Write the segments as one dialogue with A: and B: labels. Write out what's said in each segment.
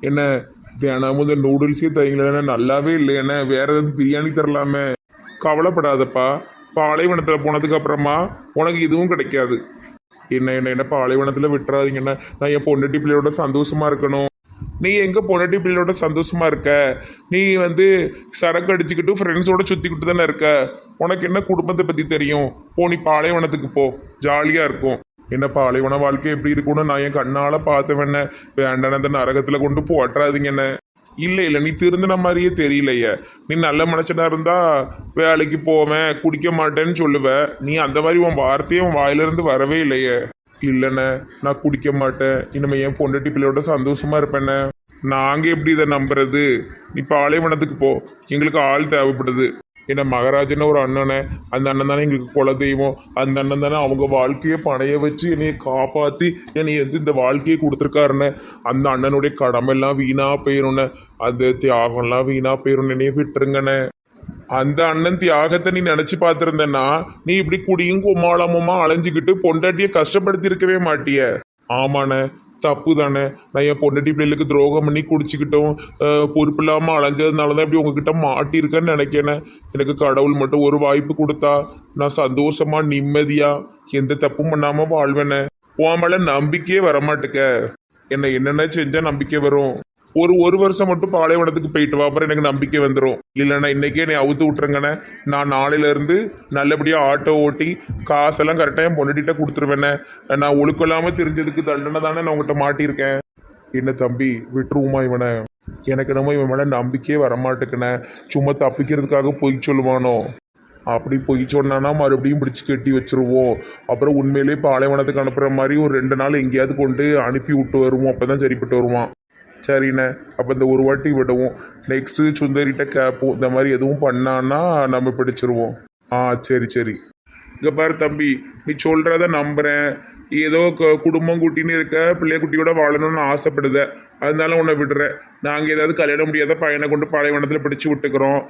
A: என்ன தினமும் இந்த நூடுல்ஸே தரீங்களே, நல்லாவே இல்லை. என்ன வேற ஏதாவது பிரியாணி தரலாமே? கவலைப்படாதப்பா, பாலைவனத்தில் போனதுக்கு அப்புறமா உனக்கு இதுவும் கிடைக்காது. என்ன என்ன என்ன பாலைவனத்தில் விட்டுறாதீங்கண்ணே. நான் என் பொண்டாட்டி பிள்ளையோட சந்தோஷமா இருக்கணும். நீ எங்க பொண்டாட்டி பிள்ளையோட சந்தோஷமா இருக்க? நீ வந்து சரக்கு அடிச்சுக்கிட்டு ஃப்ரெண்ட்ஸோட சுத்திக்கிட்டு தானே இருக்க. உனக்கு என்ன குடும்பத்தை பத்தி தெரியும்? போ, நீ பாலைவனத்துக்கு போ, ஜாலியா இருக்கும். என்ன பாலைவன வாழ்க்கை எப்படி இருக்கும்னு நான் என் கண்ணால பார்த்தவன. வேண்டான அந்த நரகத்துல கொண்டு போட்டுறாதீங்கண்ணே. இல்லை இல்லை, நீ திருந்தின மாதிரியே தெரியலையே. நீ நல்ல மனுஷனா இருந்தா வேலைக்கு போவேன், குடிக்க மாட்டேன்னு சொல்லுவ. நீ அந்த மாதிரி உன் வார்த்தையும் உன் வாயிலிருந்து வரவே இல்லையே. இல்லைண்ணே, நான் குடிக்க மாட்டேன். இனிமே என் பொண்டாட்டி பிள்ளையோட சந்தோஷமா இருப்பேண்ணே. நாங்க எப்படி இதை நம்புறது? நீ பாலைவனத்துக்கு போ, எங்களுக்கு ஆள் தேவைப்படுது. என்ன மகராஜன்னு ஒரு அண்ணனே, அந்த அண்ணன் தானே எங்களுக்கு குல தெய்வம். அந்த அண்ணன் தானே அவங்க வாழ்க்கையை பணைய வச்சு என்னைய காப்பாற்றி என்னை வந்து இந்த வாழ்க்கையை கொடுத்துருக்காருண்ணே. அந்த அண்ணனுடைய கடமெல்லாம் வீணா போயிரும்ண்ணே, அந்த தியாகம்லாம் வீணா போயிரும். என்னைய விட்டுருங்கண்ணே. அந்த அண்ணன் தியாகத்தை நீ நினைச்சு பார்த்துருந்தேன்னா நீ இப்படி குடியும் கும்மாளமுமா அலைஞ்சிக்கிட்டு பொண்டாட்டியை கஷ்டப்படுத்தி இருக்கவே மாட்டிய. ஆமாண்ணே, தப்பு தானே. நான் என் பொண்டாட்டி பிள்ளைகளுக்கு துரோகம் பண்ணி குடிச்சிக்கிட்டோம் பொறுப்பு இல்லாமல் அலைஞ்சதுனால தான் இப்படி உங்ககிட்ட மாட்டியிருக்கேன்னு நினைக்கிறேன். எனக்கு கடவுள் மட்டும் ஒரு வாய்ப்பு கொடுத்தா நான் சந்தோஷமா நிம்மதியா எந்த தப்பும் பண்ணாம வாழ்வேனே. உன் மேல நம்பிக்கையே வரமாட்டுக்க. என்னென்ன செஞ்சா நம்பிக்கை வரும்? ஒரு வருஷம் மட்டும் பாலைவனத்துக்கு போயிட்டு வா, அப்புறம் எனக்கு நம்பிக்கை வந்துடும். இல்லைன்னா இன்னைக்கே நீ அவுத்து விட்டுருங்கண்ணே. நான் நாளையிலேருந்து நல்லபடியாக ஆட்டோ ஓட்டி காசெல்லாம் கரெக்டாக என் பொண்ணுகிட்ட கொடுத்துருவேண்ணே. நான் ஒழுக்கம் இல்லாமல் தெரிஞ்சதுக்கு தண்டனை தானே நான் உங்கள்கிட்ட மாட்டியிருக்கேன். என்ன தம்பி, விட்டுருவோமா இவனை? எனக்கு நம்ம இவன் மேலே நம்பிக்கையே வரமாட்டேக்குண்ணே. சும்மா தப்பிக்கிறதுக்காக பொய் சொல்லுவானோ? அப்படி பொய் சொன்னானா மறுபடியும் பிடிச்சி கட்டி வச்சிருவோம். அப்புறம் உண்மையிலே பாலைவனத்துக்கு அனுப்புகிற மாதிரி ஒரு 2 நாள் எங்கேயாவது கொண்டு அனுப்பி விட்டு வருவோம். அப்போ தான் சரிப்பட்டு வருவான். சரிண்ணே, அப்போ இந்த ஒரு வாட்டி விடுவோம். நெக்ஸ்ட்டு சுந்தரிட்ட கேட்போம். இந்த மாதிரி எதுவும் பண்ணான்னா நம்ம பிடிச்சிருவோம். சரி சரி. இங்கே பாரு தம்பி, நீ சொல்கிறத நம்புகிறேன். ஏதோ குடும்பம் குட்டின்னு இருக்க, பிள்ளைய குட்டியோட வாழணும்னு ஆசைப்படுத. அதனால உன்னை விடுறேன். நாங்கள் ஏதாவது கல்யாணம் முடியாத பையனை கொண்டு பாலைவனத்தில் பிடிச்சி விட்டுக்கிறோம்.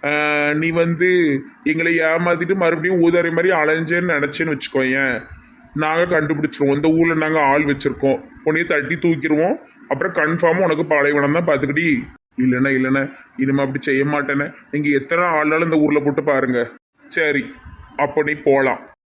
A: நீ வந்து எங்களை ஏமாத்திட்டு மறுபடியும் ஊதாரி மாதிரி அலைஞ்சேன்னு நினச்சேன்னு வச்சுக்கோயேன், நாங்கள் கண்டுபிடிச்சிருவோம். இந்த ஊரில் நாங்கள் ஆள் வச்சுருக்கோம். உன்னையே தட்டி தூக்கிடுவோம். அப்புறம் கன்ஃபார்மாக உனக்கு பாலைவனம் தான் பார்த்துக்கிட்டி. இல்லைண்ணே, இனிமே அப்படி செய்ய மாட்டேனே. நீங்கள் எத்தனை ஆளாலும் இந்த ஊரில் போட்டு பாருங்க. சரி, அப்போ நீ போகலாம்.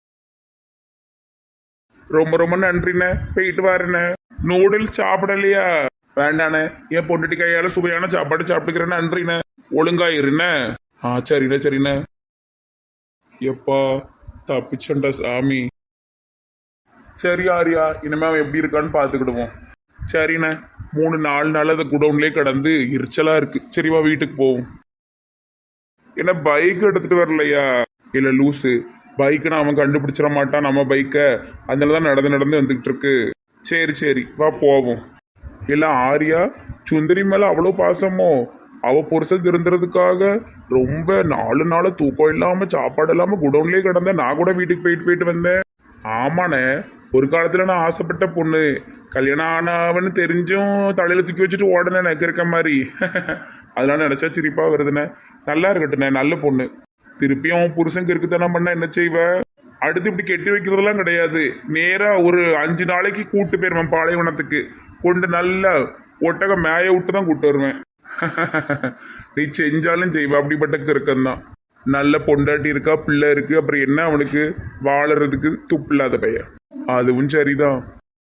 A: ரொம்ப ரொம்ப நன்றிண்ணே, போயிட்டு வாருண்ணே. நூடுல்ஸ் சாப்பிடலையா? வேண்டாண்ணே, என் பொண்ணுட்டி கையால் சுவையான சாப்பாடு சாப்பிட்டுக்கிறேன். நன்றிண்ணே, ஒழுங்கா இருண்ணே. சரிண்ணே. எப்பா தப்பிச்சண்டா சாமி. சரி ஆரியா, இனிமே அவன் எப்படி இருக்கான்னு பார்த்துக்கிடுவோம். சரிண்ணே, 3-4 நாள் அதை குடவுன்லேயே கிடந்து எரிச்சலாக இருக்கு. சரிவா, வீட்டுக்கு போவோம். என்ன பைக் எடுத்துகிட்டு வரலையா? இல்லை லூஸு, பைக்குன்னு அவன் கண்டுபிடிச்சிட மாட்டான் நம்ம பைக்கை. அதனால தான் நடந்து வந்துக்கிட்டு இருக்கு. சரி வா போவோம். இல்லை ஆரியா, சுந்தரி மேலே அவ்வளோ பாசமோ? அவள் புருஷன் திருந்துறதுக்காக ரொம்ப 4 நாள் தூக்கம் இல்லாமல் சாப்பாடு இல்லாமல் குடவுன்லேயே கிடந்த. நான் கூட வீட்டுக்கு போயிட்டு வந்தேன். ஆமாண்ணே, ஒரு காலத்தில் நான் ஆசைப்பட்ட பொண்ணு. கல்யாணம் ஆனவன்னு தெரிஞ்சும் தலையில் தூக்கி வச்சுட்டு உடனே எனக்கு இருக்க மாதிரி. அதெல்லாம் நினச்சா சிரிப்பாக வருதுண்ணே. நல்லா இருக்கட்டுண்ணே, நல்ல பொண்ணு. திருப்பியும் அவன் புருஷனுக்கு இருக்குதானே பண்ண என்ன செய்வ? அடுத்து இப்படி கெட்டி வைக்கிறதெல்லாம் கிடையாது. நேராக ஒரு 5 நாளைக்கு கூட்டு போயிருவேன் பாலைவனத்துக்கு. கொண்டு நல்லா ஒட்டக மேய விட்டு தான் கூட்டு வருவேன். நீ செஞ்சாலும் செய்வ, அப்படிப்பட்ட இருக்கந்தான். நல்ல பொண்டாட்டி இருக்கா, பிள்ளை இருக்கு, அப்புறம் என்ன அவனுக்கு வாழறதுக்கு துப்பு இல்லாத பையன். அதுவும் சரிதான்.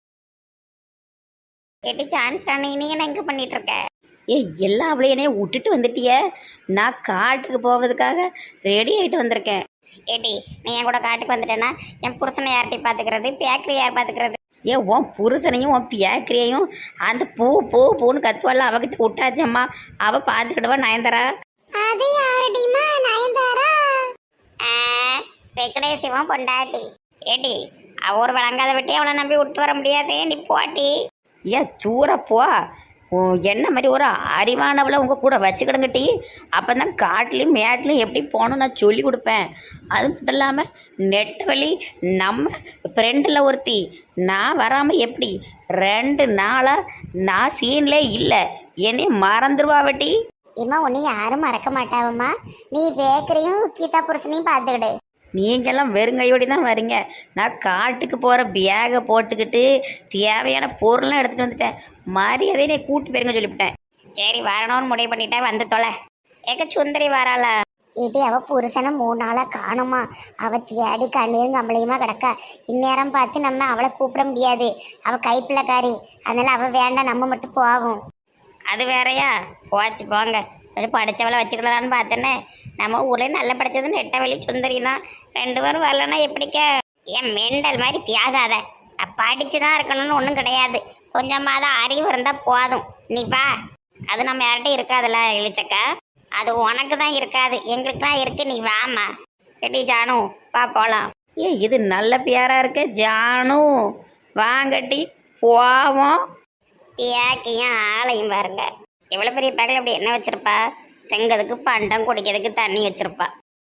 B: கேட்டு சான்ஸ் ராணி, நீ என்ன எங்க பண்ணிட்டு இருக்க? எல்லா அவளையனே விட்டுட்டு வந்துட்டிய. நான் காட்டுக்கு போவதுக்காக ரெடி ஆகிட்டு வந்திருக்கேன். ஏடி, நீ என் கூட காட்டுக்கு வந்துட்டேன்னா என் புருஷனை யார்ட்டி பார்த்துக்கிறது, பேக்கரி யார் பார்த்துக்கிறது? உன் புருஷனையும் உன் பேக்கரியையும் அந்த பூன்னு கத்துவாள் அவகிட்ட விட்டாச்சம்மா. அவள் பார்த்துக்கிடுவா நயன்தாரா. அது யாரடிமா நயன்தாரா? வெங்கடேசிவம் பொண்டாட்டி. ஏடி, அவ ஒரு வழங்காத வெட்டி அவளை நம்பி விட்டு வர முடியாது. நீ போட்டி. தூரப்போ என்ன மாதிரி ஒரு அறிவானவளை உங்கள் கூட வச்சுக்கிடுங்கட்டி. அப்போ தான் காட்டிலையும் மேட்லையும் எப்படி போகணும் நான் சொல்லி கொடுப்பேன். அது மட்டும் இல்லாமல் நெட்ட வழி நம்ம ஃப்ரெண்டில் ஒருத்தி நான் வராமல் எப்படி 2 நாளாக நான் சீன்லே இல்லை. என்னை மறந்துடுவா வெட்டி.
C: இம்மா உன்னை யாரும் மறக்க மாட்டாவம்மா. நீ பேக்கரையும் கீதா புருஷனையும் பார்த்துக்கிடு.
B: நீங்கெல்லாம் வெறுங்கையோடி தான் வரீங்க. நான் காட்டுக்கு போகிற பேகை போட்டுக்கிட்டு தேவையான பொருள்லாம் எடுத்துகிட்டு வந்துட்டேன். மரியாதையை நீ கூட்டி போயிருங்க சொல்லிவிட்டேன். சரி வரணும்னு முடிவு பண்ணிட்டேன், வந்து தொலை. ஏக்க சுந்தரி வராளா?
C: ஏட்டி அவ புருஷனை 3 நாளா காணுமா? அவ தேடி கண்ணீரும் கம்பளையுமா கிடக்கா. இந்நேரம் பார்த்து நம்ம அவளை கூப்பிட முடியாது, அவ கைப்பிள்ளைக்காரி. அதனால அவ வேண்டாம், நம்ம மட்டும் போவோம்.
B: அது வேறையா? போச்சு போங்க. கொஞ்சம் படித்தவளை வச்சுக்கலான்னு பார்த்தேன்னே. நம்ம ஊரில் நல்ல படித்தது நெட்டவெளி சுந்தரி தான். 2 பேரும் வரலன்னா எப்படிக்க? என் மெண்டல் மாதிரி பேசாத. படித்து தான் இருக்கணும்னு ஒன்றும் கிடையாது. கொஞ்சமாக அறிவு இருந்தால் போதும். நீ வா. அது நம்ம யார்கிட்டையும் இருக்காதுல்ல இழிச்சக்கா. அது உனக்கு தான் இருக்காது, எங்களுக்கு தான் இருக்கு. நீ வாமா. ரெடி ஜானு, வா போகலாம். இது நல்ல பேரா இருக்கு ஜானு. வாங்கட்டி போவோம். பேக்கையும் ஆளையும் பாருங்க. எவ்வளோ பெரிய பேக்கில் அப்படி என்ன வச்சிருப்பா? தெங்கிறதுக்கு பண்டம், குடிக்கிறதுக்கு தண்ணி வச்சிருப்பா.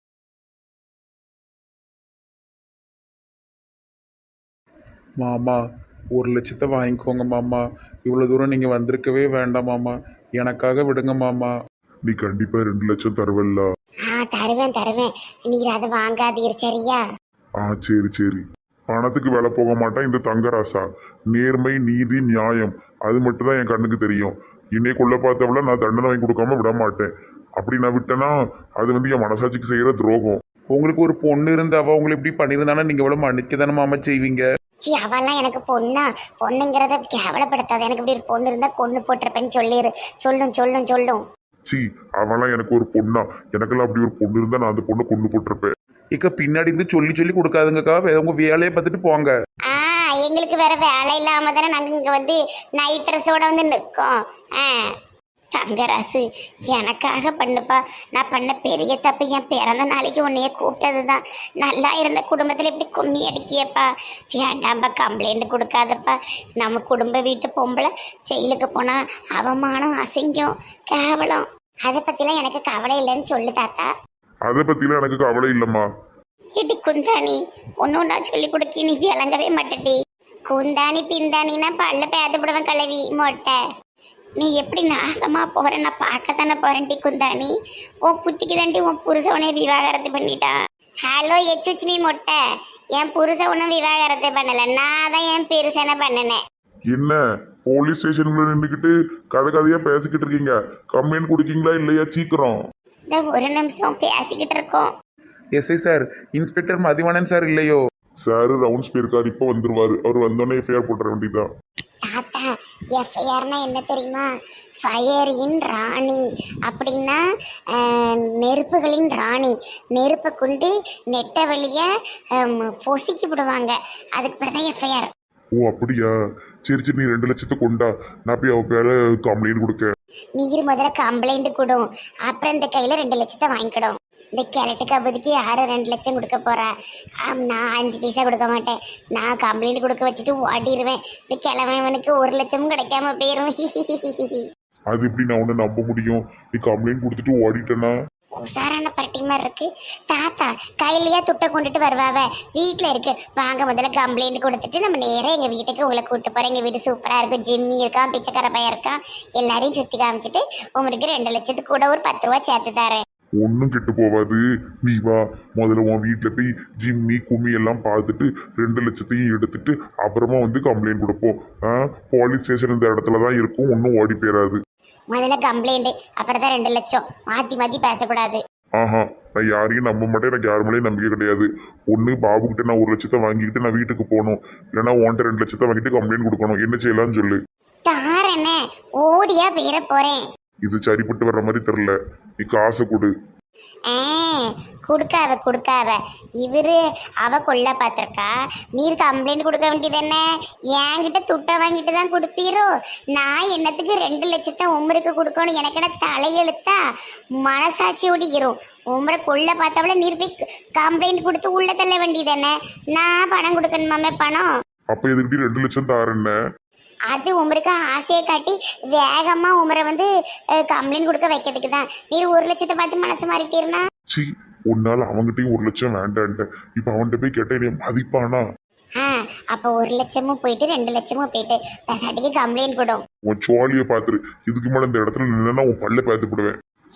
A: மாமா 1,00,000 வாங்கிக்கோங்க மாமா. இவ்வளோ தூரம் நீங்கள் வந்திருக்கவே வேண்டாம் மாமா. எனக்காக விடுங்க மாமா. நீ கண்டிப்பாக 2 லட்சம் தருவல்ல?
C: தருவேன் தருவேன், நீர் அதை வாங்காதீர் சரியா?
A: சரி சரி. பணத்துக்கு வேலை போக மாட்டேன் இந்த தங்கராசா. நேர்மை, நீதி, நியாயம் அது மட்டும் தான் என் கண்ணுக்கு தெரியும். இன்னைக்கு கொள்ள பார்த்தவள நான் தண்டனை வாங்கி கொடுக்காம விட மாட்டேன். அப்படி நான் விட்டேன்னா அது என் மனசாட்சிக்கு செய்கிற துரோகம். உங்களுக்கு ஒரு பொண்ணு இருந்தாவா உங்களை இப்படி பண்ணியிருந்தானா நீங்கள் எவ்வளோ மன்னிக்க தானே மாமா செய்வீங்க?
C: சி அவெல்லாம் எனக்கு பொண்ணுங்கிறத கேவலப்படுத்தாது. எனக்கு இப்படி ஒரு பொண்ணு இருந்தா கொண்டு போட்டிருப்பேன்னு சொல்லிடு. சொல்லும்.
A: சி அவெல்லாம் எனக்கு ஒரு பொண்ணா? எனக்கெல்லாம் அப்படி ஒரு பொண்ணு இருந்தா நான் அந்த பொண்ணை கொண்டு போட்டிருப்பேன். இக்க பின்னாடி இருந்து சொல்லி சொல்லி கொடுக்காதுங்கக்கா. உங்க வேலையை பார்த்துட்டு போங்க.
C: எங்களுக்கு வேற வேலை இல்லாம தானே நாங்க இங்க வந்து நைட் ட்ரெஸ்ஸோட வந்து நிற்கோம். தங்கராசு எனக்காக பண்ணுப்பா. நான் பண்ண பெரிய தப்பு என் பிறந்த நாளைக்கு உன்னைய கூப்பிட்டது தான். நல்லா இருந்த குடும்பத்தில் இப்படி கும்மி அடிக்கியப்பா. வேண்டாம்பா, கம்ப்ளைண்ட் கொடுக்காதப்பா. நம்ம குடும்ப வீட்டு பொம்பளை ஜெயிலுக்கு போனால் அவமானம், அசிங்கம், கேவலம். அதை பற்றிலாம் எனக்கு கவலை இல்லைன்னு சொல்லு தாத்தா.
A: அதை பற்றிலாம் எனக்கு கவலை இல்லைம்மா.
C: கேட்டி குந்தாணி ஒன்னொன்னா சொல்லி கொடுக்கி நீ விளங்கவே மாட்டேடி. குந்தாணி பிந்தாணின்னா பல்ல பேதப்படுவேன் கலவி மொட்டை. நீ எப்படி நாசமா போற நான் பார்க்க தானே போறேன்டி குந்தாணி. உன் புத்திக்கு தாண்டி உன் புருஷவனே விவாகரத்து பண்ணிட்டான். ஹலோ எச்சுச்மி மொட்டை, என் புருஷ ஒன்றும் விவாகரத்து பண்ணல, நான் தான் என் பெருசனை பண்ணினேன்.
A: என்ன போலீஸ் ஸ்டேஷன்ல நின்றுக்கிட்டு கதையா பேசிக்கிட்டு இருக்கீங்க? கம்ப்ளைண்ட் கொடுக்கீங்களா இல்லையா? சீக்கிரம்.
C: இந்த ஒரு நிமிஷம் பேசிக்கிட்டு இருக்கோம்.
A: SI sir, inspector Mathivanan sir இல்லையோ? சார் ரவுண்ட்ஸ் போயிருக்காரு, இப்போ வந்துருவாரு. அவர் வந்தோடனே எஃப்ஐஆர் போட்டுற வேண்டியதான்.
C: தாத்தா எஃப்ஐஆர்னா என்ன தெரியுமா? ஃபயர் இன் ராணி அப்படின்னா நெருப்புகளின் ராணி. நெருப்பை கொண்டு நெட்ட வழிய பொசிக்கி விடுவாங்க. அதுக்கு பிறகு தான் எஃப்ஐஆர்.
A: ஓ அப்படியா? சரி சரி, நீ 2 லட்சத்தை கொண்டா, நான் போய் அவ பேர கம்ப்ளைண்ட் கொடுக்க.
C: நீர் முதல்ல கம்ப்ளைண்ட் கொடும், அப்புறம் இந்த கையில 2 லட்சத்தை வாங்கிக்கிடும். இந்த கேரட்டுக்கு அப்போதைக்கு யாரும் 2 லட்சம் கொடுக்க போறா? நான் 5 பைசா கொடுக்க மாட்டேன். நான் கம்ப்ளைண்ட் கொடுக்க வச்சுட்டு ஓடிடுவேன். இந்த கிழமைவனுக்கு 1 லட்சமும் கிடைக்காம போயிரும்.
A: அது எப்படி நான் உன்னை நம்ப முடியும்? நீ கம்ப்ளைண்ட் கொடுத்துட்டு ஓடிட்டேன்னா?
C: உசாரான பரட்டி மாதிரி இருக்கு. தாத்தா கையிலேயே துட்டை கொண்டுட்டு வருவாவ, வீட்டில் இருக்கு. வாங்க முதல்ல கம்ப்ளைண்ட் கொடுத்துட்டு நம்ம நேராக எங்கள் வீட்டுக்கு உங்களை கூப்பிட்டு போகிறேன். எங்கள் வீடு சூப்பராக இருக்கும். ஜிம்மி இருக்கான், பிச்சைக்கார பையன் இருக்கான். எல்லாரையும் சுற்றி காமிச்சிட்டு உங்களுக்கு 2 லட்சத்துக்கு கூட ஒரு 10 ரூபா சேர்த்து தரேன்.
A: ஒன்றும் கெட்டு போவாது. நீ வா, முதல்ல உன் வீட்டில் போய் ஜிம்மி கும்மி எல்லாம் பார்த்துட்டு 2 லட்சத்தையும் எடுத்துட்டு அப்புறமா வந்து கம்ப்ளைண்ட் கொடுப்போம். போலீஸ் ஸ்டேஷன் இந்த இடத்துல தான் இருக்கும், ஒன்றும் ஓடி போயிடாது.
C: முதல்ல கம்ப்ளைண்ட், அப்புறம் தான் 2 லட்சம். மாற்றி பேசக்கூடாது.
A: நான் யாரையும் நம்ப மாட்டேன். எனக்கு யார் மேலேயும் நம்பிக்கை கிடையாது. ஒன்று பாபுக்கிட்ட நான் 1 லட்சத்தை வாங்கிக்கிட்டு நான் வீட்டுக்கு போகணும், இல்லைன்னா உன்கிட்ட 2 லட்சத்தை வாங்கிட்டு கம்ப்ளைண்ட் கொடுக்கணும். என்ன செய்யலாம்னு சொல்லு.
C: தாரண்ணே ஓடியா போயிட போறேன்.
A: இது சரிப்பட்டு வர்ற மாதிரி தெரியல. நீ காசை கொடு.
C: கொடுக்காவ இவரு அவ கொள்ள பார்த்திருக்கா. நீர் கம்ப்ளைண்ட் கொடுக்க வேண்டியது என்ன? என்கிட்ட துட்டை வாங்கிட்டு தான் கொடுப்பீரோ? நான் என்னத்துக்கு 2 லட்சத்தை உமருக்கு கொடுக்கணும்? எனக்கு என்ன தலையெழுத்தா? மனசாட்சி ஒடிக்கிறோம். உமரை கொள்ள பார்த்தவள நீர் போய் கம்ப்ளைண்ட் கொடுத்து உள்ள தள்ள வேண்டியது என்ன? நான் பணம் கொடுக்கணுமாமே பணம்.
A: அப்ப எதுக்கிட்ட 2 லட்சம் தாரேன்ன?
C: அது உமருக்கு ஆசையை காட்டி வேகமா உமரை வந்து கம்ப்ளைண்ட் கொடுக்க வைக்கிறதுக்கு தான். நீர் 1 லட்சத்தை பார்த்து மனசு மாறிட்டீர்னா?
A: சி உன்னால அவங்ககிட்டயும் 1 லட்சம் வேண்டான்ட்ட. இப்ப அவன்கிட்ட போய் கேட்ட என்னைய மதிப்பானா?
C: அப்ப 1 லட்சமும் போயிட்டு 2 லட்சமும் போயிட்டு பேசாட்டிக்கு கம்ப்ளைண்ட் கொடும்.
A: உன் சோழியை பாத்துரு. இதுக்கு மேல இந்த இடத்துல நின்னா உன் பல்ல பார்த்து போடுவேன்.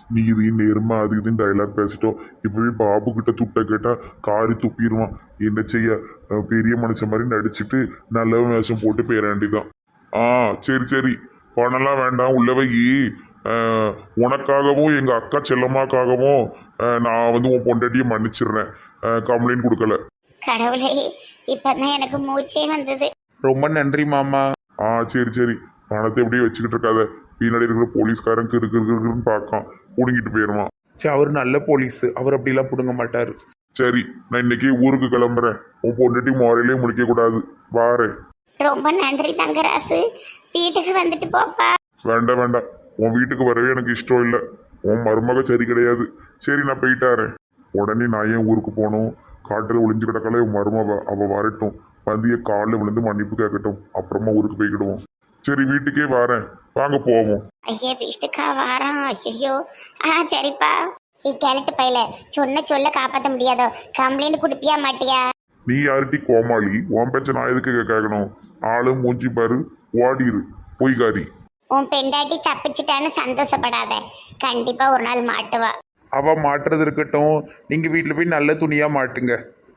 D: நீதி நேர்மை அது இதுன்னு டைலாக் பேசிட்டோம். இப்பவே பாபு கிட்ட துட்ட கேட்டா காரி துப்பிடுவான். என்ன செய்ய, பெரிய மனுஷன் மாதிரி நடிச்சுட்டு நல்ல வேஷம் போட்டு போயிட வேண்டிதான். சரி சரி, பணம்லாம் வேண்டாம், உள்ளவை உனக்காகவும் எங்க அக்கா செல்லம்மாக்காகவும் நான் வந்து உன் பொண்டாட்டியை மன்னிச்சிடுறேன். கம்ப்ளைண்ட் கொடுக்கல.
C: கடவுளே, இப்பதான் எனக்கு மூச்சே வந்தது.
A: ரொம்ப நன்றி மாமா.
D: சரி சரி, பணத்தை எப்படியே வச்சுக்கிட்டு இருக்காத. பின்னாடி இருக்கிற போலீஸ்காரன் இருக்குன்னு பார்க்கான், பிடுங்கிட்டு போயிடுவான்.
A: சரி, அவர் நல்ல போலீஸ், அவர் அப்படிலாம் பிடுங்க மாட்டார்.
D: சரி, நான் இன்னைக்கு ஊருக்கு கிளம்புறேன். உன் பொண்டாட்டி முறையிலே முடிக்க கூடாது. வாரேன்.
C: ரொம்ப நன்றி தங்கராசு. வீட்டுக்கு வந்துட்டு போப்பா.
D: வேண்டாம் வேண்டாம், உன் வீட்டுக்கு வரவே எனக்கு இஷ்டம் இல்லை. உன் மருமக சரி கிடையாது. சரி, நான் போயிட்டாரேன். உடனே நான் ஏன் ஊருக்கு போகணும்? காட்டில் ஒளிஞ்சு கிடக்கல உன் மருமவ, அவள் வரட்டும், வந்து என் காலில் விழுந்து மன்னிப்பு கேட்கட்டும், அப்புறமா ஊருக்கு போய்க்கிடுவோம். சரி, வீட்டுக்கே வரேன், வாங்க போவோம்.
C: ஐயா, வீட்டுக்கா வாரம்? ஐயோ, சரிப்பா. கேட்டுட்டு பையில சொன்ன சொல்ல காப்பாற்ற முடியாதோ? கம்ப்ளைண்ட் கொடுப்பியா மாட்டியா?
D: நீ யார்ட்டி கோமாளி? உன் பேச்ச நான் எதுக்கு கேட்கணும்? ஆளு மூஞ்சி பாரு, ஓடிரு பொய்காரி.
C: உன் பெண்டாட்டி தப்பிச்சிட்டான்னு சந்தோஷப்படாத, கண்டிப்பா ஒரு நாள் மாட்டுவா.
A: அவ மாட்டுறது இருக்கட்டும், நீங்க வீட்டில் போய் நல்ல துணியா மாட்டுங்க.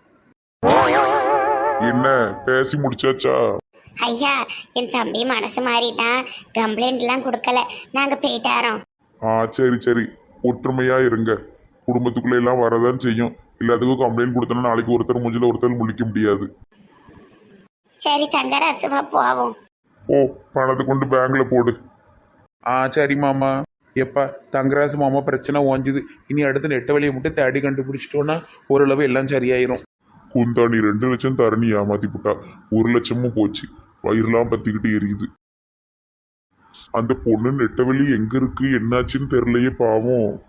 D: என்ன பேசி முடிச்சாச்சா?
C: ஐயா, என் தம்பி மனசு மாறிட்டான், கம்ப்ளைண்ட் எல்லாம் கொடுக்கல, நாங்க போயிட்டாரோம்.
D: சரி சரி, ஒற்றுமையா இருங்க. குடும்பத்துக்குள்ள எல்லாம் வரதான் செய்யும். எல்லாத்துக்கும் கம்ப்ளைண்ட் கொடுத்தோன்னா நாளைக்கு ஒருத்தர் மூஞ்சில ஒருத்தர் முழிக்க முடியாது.
C: சரி தங்கராசுவா, போவோம்.
D: ஓ, பணத்தை கொண்டு பேங்க்ல போடு.
A: சரி மாமா. எப்பா தங்கராசு மாமா பிரச்சனை ஓஞ்சுது. இனி அடுத்து நெட்ட வழியை மட்டும் தேடி கண்டுபிடிச்சிட்டோன்னா ஓரளவு எல்லாம் சரியாயிரும்.
D: குந்தா, நீ 2 லட்சம் தரணி ஏமாத்தி புட்டா. 1 லட்சமும் போச்சு. வயிறுலாம் பத்திக்கிட்டு எரியுது. அந்த பொண்ணு நெட்டவெளி எங்க இருக்கு, என்னாச்சுன்னு தெரியலையே பாவம்.